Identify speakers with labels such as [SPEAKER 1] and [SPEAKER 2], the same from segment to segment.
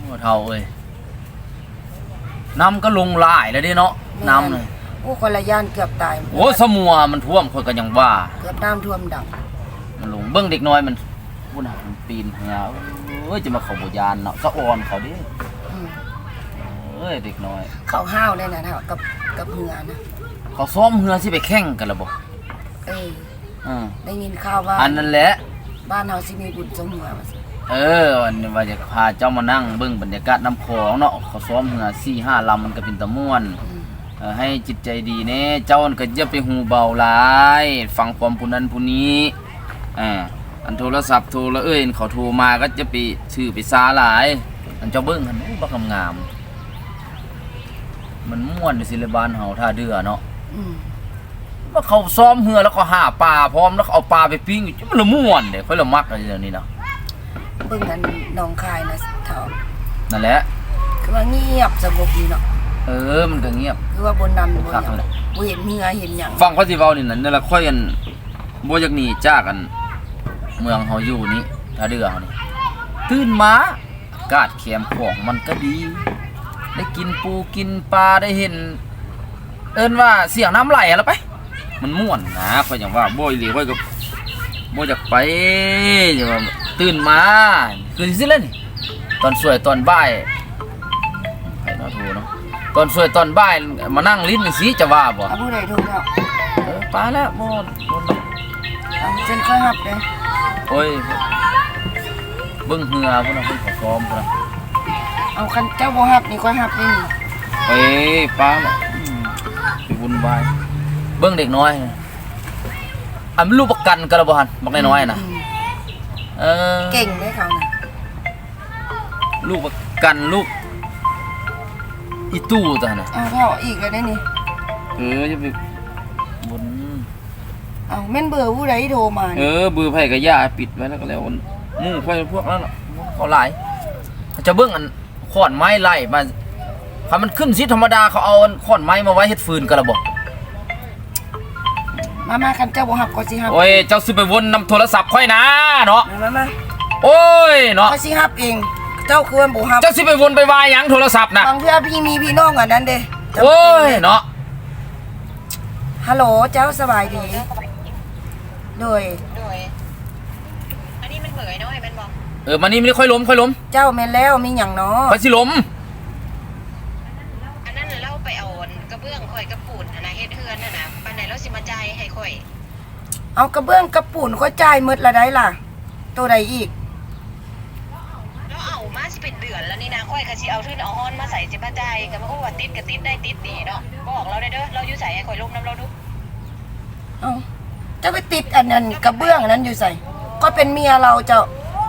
[SPEAKER 1] เท่าเอ้ยน้ำก็ลงหลายแล้วดิเนาะน้ำเลย
[SPEAKER 2] โอ้คนละย่านเกือบตาย
[SPEAKER 1] โอ้สมัวมันท่วมคนก็ยังว่า
[SPEAKER 2] เกือบน้ำท่วมดัง
[SPEAKER 1] มันลงเบิ้งเด็กน้อยมันพุ่นหามันปีนเหี่ยเอ้ยจะมาเขาโบยานเนาะสะออนเขาดิเอ้ยเด็กน้อย
[SPEAKER 2] เขาห้าวเลยนะเท่ากับเหือนะ
[SPEAKER 1] เขาซ้อมเหือสิไปแข่งกันละบ่
[SPEAKER 2] ได้ยินข่าวว่า
[SPEAKER 1] อันนั้นแหละ
[SPEAKER 2] บ้านเฮาสิมีบุญสมเหือ
[SPEAKER 1] วันนี้ว่าจะพาเจ้ามานั่งเบิ้งบรรยากาศน้ำคลองเนาะเขาซ้อมเหือ4-5 ลำมันก็เป็นตะม่วนให้จิตใจดีเน่เจ้าก็อย่าไปหูเบาหลายฟังความผู้นั้นผู้นี้อันโทรศัพท์โทรแล้วเขาโทรมาก็จะไปชื่อไปซาหลายอันเจ้าเบิ้งหันบักงามมันม่วนในศิลปานเฮาท่าเดือเนาะว่าเขาซ้อมเหือแล้วก็หาปลาพร้อมแล้วเอาปลาไปปิ้งมันละม่วนเด้ค่อยละมักอะไรอย่างนี้เนาะ
[SPEAKER 2] เบิ่งกันน้องคายนะเท่า
[SPEAKER 1] นั่นแหละ
[SPEAKER 2] คือว่าเงียบสงบดีเนาะ
[SPEAKER 1] มันก็เงียบ
[SPEAKER 2] คือว่าบนนั้นบ่เห็นเหือเห็นหยัง
[SPEAKER 1] ฟังเขาสิเว้านี่นั่นละค่อยกันบ่อยากหนีจากกันเมืองเฮาอยู่นี่ท่าเดือเฮานี่ตื่นมาอากาศแคมของมันก็ดีได้กินปูกินปลาได้เห็นว่าเสียงน้ำไหลแล้วไปมันม่วนนะค่อยอย่างว่าบ่อยหลีค่อยก็บ่อยากไปอย่าว่าตื่นมาคือสิเล่นตอนสวยตอนบ่ายใครเนาะโทรเนาะตอนสวยตอนบ่ายมานั่งลิ้นจังซี่จะว่าบ่
[SPEAKER 2] ผู้ใดโทรแล้ว
[SPEAKER 1] ปลาแล้วบ่
[SPEAKER 2] เส้นค่อยหับเด้
[SPEAKER 1] โอ้ยเบิ่งเหือพุ่นน่ะเพิ่นขอซ้อมพุ่นน่ะ
[SPEAKER 2] เอาคันเจ้าบ่หับนี่ค่อยหับนี่
[SPEAKER 1] ไปปลาน่ะไปวุ่นวายเบิ่งเด็กน้อยอันลูกประกันกันละบ่หั่นบักน้อยๆน่ะ
[SPEAKER 2] เก่งเด้เขาน่ะ
[SPEAKER 1] ลูกประกันลูกอีตู้ตัวน่ะ
[SPEAKER 2] พ่ออีกแล้วได้นี่
[SPEAKER 1] จะไปบน
[SPEAKER 2] แม่นเบอร์ผู้ใดโทรมา
[SPEAKER 1] เบอร์ไผก็ย่าปิดไว้แล้วก็แล้วหมู่ไผพวกนั้นน่ะเขาหลายจะเบิ่งอันขอนไม้ไล่มาถ้ามันขึ้นสิธรรมดาเขาเอาขอนไม้มาไว้เฮ็ดฟืนกันละบ่
[SPEAKER 2] มาคันเจ้าบ่ฮับก็สิฮับ
[SPEAKER 1] โอ้ยเจ้าสิไปวนนำโทรศัพท์ค่อยนะเนาะ
[SPEAKER 2] มา
[SPEAKER 1] โอ้ยเนาะ
[SPEAKER 2] ก็สิฮับเองเจ้าคือว่าบ่ฮับ
[SPEAKER 1] เจ้าสิไปวนไปวายหยังโทรศัพท์น่ะ
[SPEAKER 2] บางเทื่อพี่มีพี่น้องอันนั้นเด้
[SPEAKER 1] โอ้ยเนาะ
[SPEAKER 2] ฮัลโหลเจ้าสบายดีโดย
[SPEAKER 3] อันนี้มันเบื่อน้อยมันบ่
[SPEAKER 1] มานี่ไม่ค่อยล้ม
[SPEAKER 2] เจ้าแม่นแล้วมีหยังเนาะ
[SPEAKER 1] ค่อยสิล้ม
[SPEAKER 3] อันนั้นเราไปเอากระเบื้องค่อยกระปูนนะเฮ็ดเฮือนน่ะนะปานใดเราสิมาจ่ายให้ค่อย
[SPEAKER 2] เอากระเบื้องกระปูนค่อยจ่ายหมดละได้ล่ะตัวใดอีก
[SPEAKER 3] แล้วเอามาสิเป็นเดือนแล้วนี่นะค่อยก็สิเอาทื่นเอาฮ้อนมาใส่สิมาจ่ายก็บ่ฮู้ว่าติดก็ติดได้ติดดีเนาะบอกเราได้เด้อเราอยู่ใส่ให้ค่อยลมน้ำเราดู
[SPEAKER 2] จะไปติดอันนั้นกระเบื้องนั้นอยู่ใส่ก็เป็นเมียเราเจ้า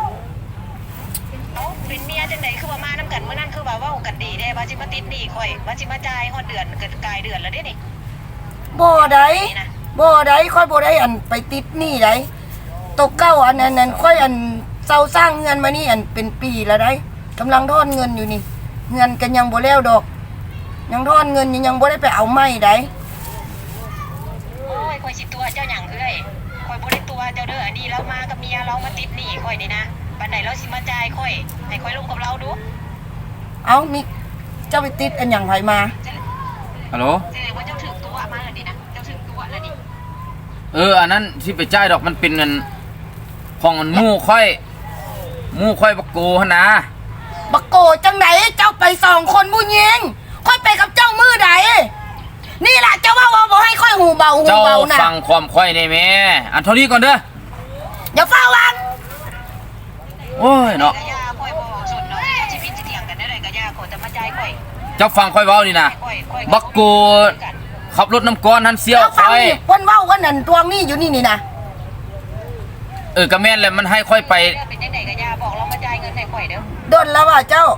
[SPEAKER 3] เป็นเมียจังได๋คือว่ามานํกันมื้อนั้นคือว่าเว้ากันดีเด้ว่าสิมาติดหนี้ค่อยว่าสิมาจ่ายฮอดเดือนเกิดกลายเดือนแล้วเด้นี่
[SPEAKER 2] บ่ได้ค่อยบ่ได้อันไปติดหนี้ได้ตกเก้าอันนั้นค่อยอันเซาสร้างเงินมานี่อันเป็นปีแล้วได้กำลังทอนเงินอยู่นี่เงินกันยังบ่แล้วดอกยังทอนเงินยังบ่ได้ไปเอาไม้ได้
[SPEAKER 3] โอ้ยค่อยสิตัวเจ้าหยังเอ้ยค่อยบ่ได้ตัวเจ้าเด้ออันนี้เรามากับเมียเรามาติดหนี้ค่อยนี่นะปานใดเราสิมาจ่ายค่อยให้ค่อยลงกับเราดู
[SPEAKER 2] มีเจ้าไปติดอันหยังไผมา
[SPEAKER 1] ฮัลโหล
[SPEAKER 3] แสดงว่าเจ้าถึงตัวมาแล้วนี่นะเจ้าถึงตัวแล้วนี่
[SPEAKER 1] อันนั้นที่ไปจ่ายดอกมันเป็นเงินของมันหมู่ค่อยบักโกหั่นนะ
[SPEAKER 2] บักโกจังไหนเจ้าไป2คนผู้หญิงค่อยไปกับเจ้ามือใดนี่ล่ะเจ้าว่าบ่ให้ค่อยหูเบานะ
[SPEAKER 1] เจ้าฟังความค่อยได้แม่อันเท่านี้ก่อนเด้อ
[SPEAKER 2] อย่าฟ้าวาง
[SPEAKER 1] โอ้ยเนาะเจ้าฟังค่อยเว้านี่นะบักโกขับรถน้ำก้อนทันเสี้ยวค่อย
[SPEAKER 2] เพิ่นเว้ากันนั่นตวงนี่อยู่นี่นะ
[SPEAKER 1] ก็แม่นแล้วมันให้ค่อยไป
[SPEAKER 3] เป็นจังได๋ก็ย่าบอกเรามาจ่ายเงินให้ค่อยเด้อ
[SPEAKER 2] โดนแล้วว่าเจ้า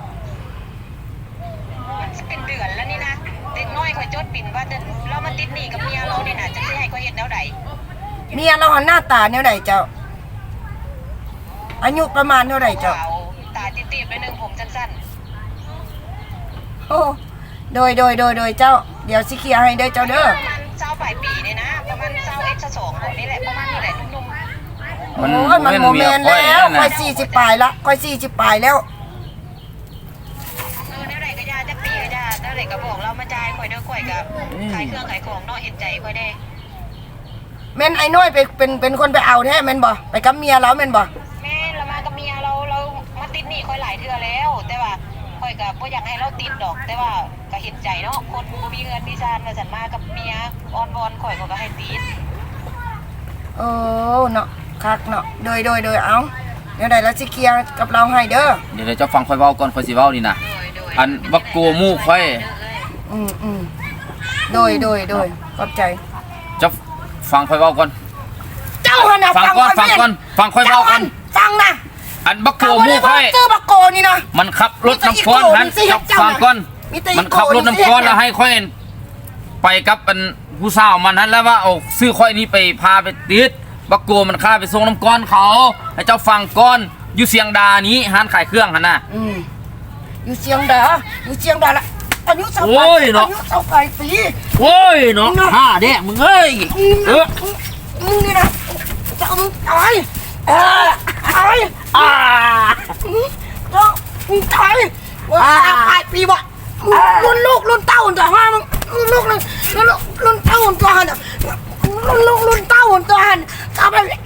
[SPEAKER 3] มันสิเป็นเดือนแล้วนี่นะเด็กน้อยค่อยจดปิ่นว่าเรามาติดหนี้กับเมียเรานี่น่ะจะสิให้ค่อยเฮ็ดแนวใด
[SPEAKER 2] เมียเราหันหน้าตาแนวใดเจ้าอายุประมาณเท่าไหร่เจ้า
[SPEAKER 3] ตาตีบๆด้วยนึงผมสั้น
[SPEAKER 2] ๆโอ้โดยเจ้าเดี๋ยวสิเคลียร์ให้เด้อเจ้าเด้อ
[SPEAKER 3] ประมาณ20ปลายปีนี่นะประมาณ20 นี่แหละประมาณนี้แหละนุ่ม
[SPEAKER 2] ๆมันโมเมนต์แล้วค่อย40ปลายละค่อย40ปลายแล้ว
[SPEAKER 3] ได้ก็บอกเรามาจ่ายข่อยเด้อข่อยก็ขายเครื่องขายของเนาะเห็นใจข่อยได้
[SPEAKER 2] แม่นไอ้น้อยไปเป็นคนไปเอาแท้แม่นบ่ไปกับเมียเราแม่นบ่
[SPEAKER 3] แม่เรามากับเมียเรามาติดหนี้ข่อยหลายเทื่อแล้ว แต่ว่าข่อยก็บ่อยากให้เราติดดอก แต่ว่าก็เห็นใจเนาะคนบ่มีเงินมีชานมาสั่นมากับเมียอ้อนวอนข่อยก็ให้ติด
[SPEAKER 2] โอ้เนาะคักเนาะโดยเอาเดี๋ยวใดแล้วสิเคลียร์กับเราให้เด้อ
[SPEAKER 1] เดี๋ยวเจ้าฟังค่อยเว้าก่อนค่อยสิเว้านี่นะอันบักโกมูค่อย
[SPEAKER 2] โดยขอบใจ
[SPEAKER 1] เจ้าฟังค่อยเว้าก่อน
[SPEAKER 2] เจ้าหั่นน่ะ
[SPEAKER 1] ฟังก่อนฟังก่อนฟังค่อยเว้าก่อน
[SPEAKER 2] ฟังนะ
[SPEAKER 1] อันบักโก
[SPEAKER 2] เขาบ่
[SPEAKER 1] มู
[SPEAKER 2] ได้
[SPEAKER 1] ค่อย
[SPEAKER 2] ซื้อบักโกนี่นะ
[SPEAKER 1] มันขับรถน้ำก้อนหัน
[SPEAKER 2] มีแต่อีโก้นี่สิ
[SPEAKER 1] เจ้าฟังก่อน
[SPEAKER 2] มีแต่อีโก้
[SPEAKER 1] มันขับรถน้ำก้อนแล้วให้ค่อยไปกับอันผู้สาวมันนั้นแล้วว่าเอาซื้อค่อยนี้ไปพาไปติดบักโกมันฆ่าไปส่งน้ำก้อนเขาให้เจ้าฟังก่อนอยู่เสียงดานี้ห้านขายเครื่องหันน่ะ
[SPEAKER 2] อยู่เชียงดาละอายุ
[SPEAKER 1] โอ้ยเนาะ
[SPEAKER 2] อายุ25 ปี
[SPEAKER 1] โอ้ยเนาะห้าเด้มึงเอ้ย
[SPEAKER 2] มึงนี่นะจะเอามึงตายตายมึงตายว่า5 ปีบ่รุ่นลูกรุ่นเต้าตัวห้ามึงรุ่นเต้าตัวหันรุ่นลูกรุ่นเต้าตัวหันเอาไป